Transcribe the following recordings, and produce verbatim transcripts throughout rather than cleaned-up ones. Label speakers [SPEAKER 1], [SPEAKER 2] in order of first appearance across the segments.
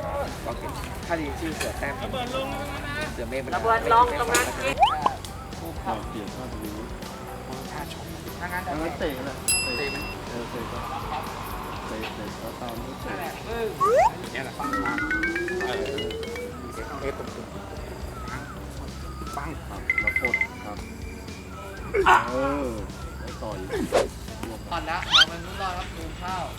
[SPEAKER 1] ถ้าดีชื่อเสือแต้มเสือเมฆ
[SPEAKER 2] ระเบิดลองตรงนั้นเอง
[SPEAKER 3] เราเปลี่ยนข้อนี้
[SPEAKER 1] ถ้าชมถ้างั้น
[SPEAKER 3] แล้วมันเตะแหละ
[SPEAKER 1] เตะมัน
[SPEAKER 3] เออเตะก็เตะเตะแล้วตามด้วยเตะ
[SPEAKER 1] เนี่ยแหละฟังฟังเออเอฟตรงตรงปัง
[SPEAKER 3] ครับแล้วกดครับเออแล้วต่อย
[SPEAKER 1] ตอนละเราเป็นรุ่นรอดครับดูข้าว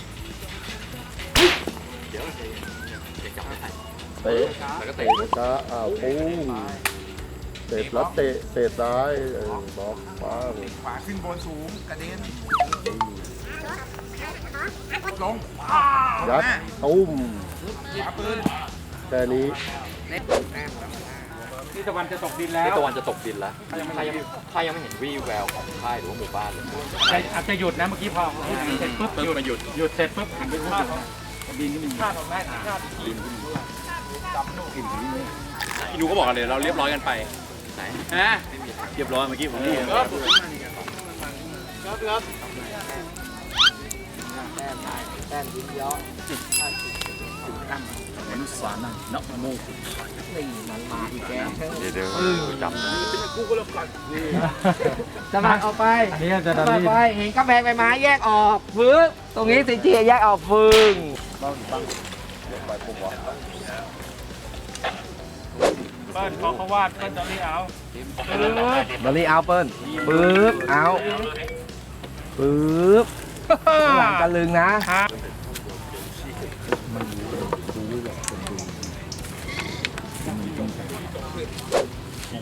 [SPEAKER 1] เดี๋ยวเดี๋ยวจับไป
[SPEAKER 3] เตะ
[SPEAKER 1] แล้วก็
[SPEAKER 3] เตะ
[SPEAKER 1] เตะ
[SPEAKER 3] ช้าอ้าวปุ้งเตะแล้วเตะเตะซ้ายเออบล็อกป้า
[SPEAKER 1] ขวาขึ้นบนสูงกระเด็นลง
[SPEAKER 3] ยัดตุ้ม
[SPEAKER 1] ขวาปืน
[SPEAKER 3] แค่นี้
[SPEAKER 1] นี่ตะวันจะตกดินแล้ว
[SPEAKER 4] นี่ตะวันจะตกดินแล้วใครยังใครยังไม่เห็นวี่แววของค่ายหรือว่าหมู่บ้านเลย
[SPEAKER 1] อาจจะหยุดนะเมื่อกี้พอเสร็จปุ๊บหยุดหยุดหยุดเสร็จปุ๊บหันไปพูดดินก็มีข้าวของแม่ข้าวดินก็มี
[SPEAKER 4] ดูก็บอกกันเลยเราเรียบร้อยกันไปไหนฮะเรียบร้อยเมื่อกี้ผมนี่
[SPEAKER 1] ครับครับแต้มแต้มยิ้มย้อนมนุษย์สานังนักโมกุนี่มันมาอีกแกเดี๋ยวเดี๋ยวจำนะกูก็เลิกก่อนสมัครออกไปนี่จะดันไปเห็นกำแพงใบไม้แยกออกฟื้นตรงนี้สีเจียแยกออกฟื้น
[SPEAKER 3] บ้างตั้งไปปุ๊บวะ
[SPEAKER 5] เปิ้ลเขาเขาวาดเปิ้ลจะรีเอา
[SPEAKER 1] บอลลี่เอาเปิ้ลปึ๊บเอาปึ๊บหลังกันลึงนะ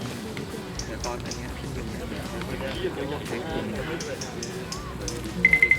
[SPEAKER 1] ตอนนี้